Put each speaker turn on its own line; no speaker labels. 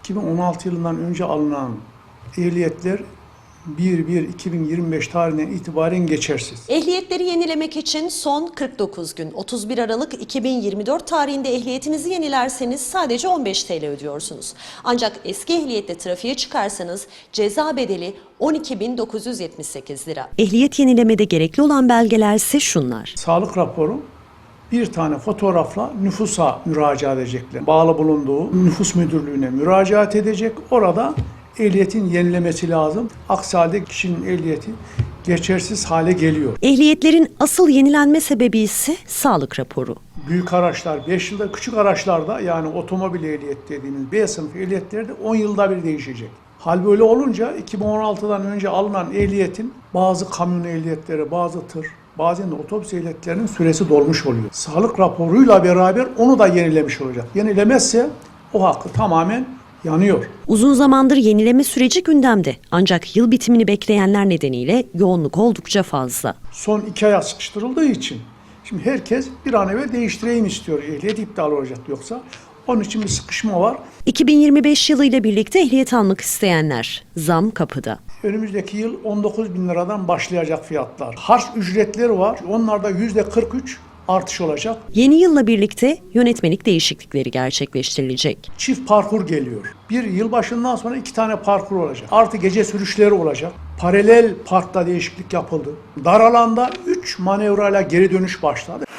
2016 yılından önce alınan ehliyetler 1-1-2025 tarihinden itibaren geçersiz.
Ehliyetleri yenilemek için son 49 gün, 31 Aralık 2024 tarihinde ehliyetinizi yenilerseniz sadece 15 TL ödüyorsunuz. Ancak eski ehliyetle trafiğe çıkarsanız ceza bedeli 12.978 lira. Ehliyet yenilemede gerekli olan belgeler ise şunlar.
Sağlık raporu, bir tane fotoğrafla nüfusa müracaat edecekler. Bağlı bulunduğu nüfus müdürlüğüne müracaat edecek. Orada ehliyetin yenilemesi lazım. Aksi halde kişinin ehliyeti geçersiz hale geliyor.
Ehliyetlerin asıl yenilenme sebebi ise sağlık raporu.
Büyük araçlar 5 yılda, küçük araçlarda yani otomobil ehliyet dediğimiz B sınıfı ehliyetlerde 10 yılda bir değişecek. Hal böyle olunca 2016'dan önce alınan ehliyetin bazı kamyon ehliyetleri, bazı tır, bazen de otobüs ehliyetlerinin süresi dolmuş oluyor. Sağlık raporuyla beraber onu da yenilemiş olacak. Yenilemezse o hakkı tamamen yanıyor.
Uzun zamandır yenileme süreci gündemde. Ancak yıl bitimini bekleyenler nedeniyle yoğunluk oldukça fazla.
Son 2 aya sıkıştırıldığı için şimdi herkes bir an evvel değiştireyim istiyor. Ehliyet iptal olacak yoksa. Onun için bir sıkışma var.
2025 yılıyla birlikte ehliyet almak isteyenler zam kapıda.
Önümüzdeki yıl 19.000 liradan başlayacak fiyatlar. Harç ücretleri var. Onlarda %43 artış olacak.
Yeni yılla birlikte yönetmelik değişiklikleri gerçekleştirilecek.
Çift parkur geliyor. Bir yılbaşından sonra 2 tane parkur olacak. Artı gece sürüşleri olacak. Paralel parkta değişiklik yapıldı. Dar alanda 3 manevrayla geri dönüş başladı.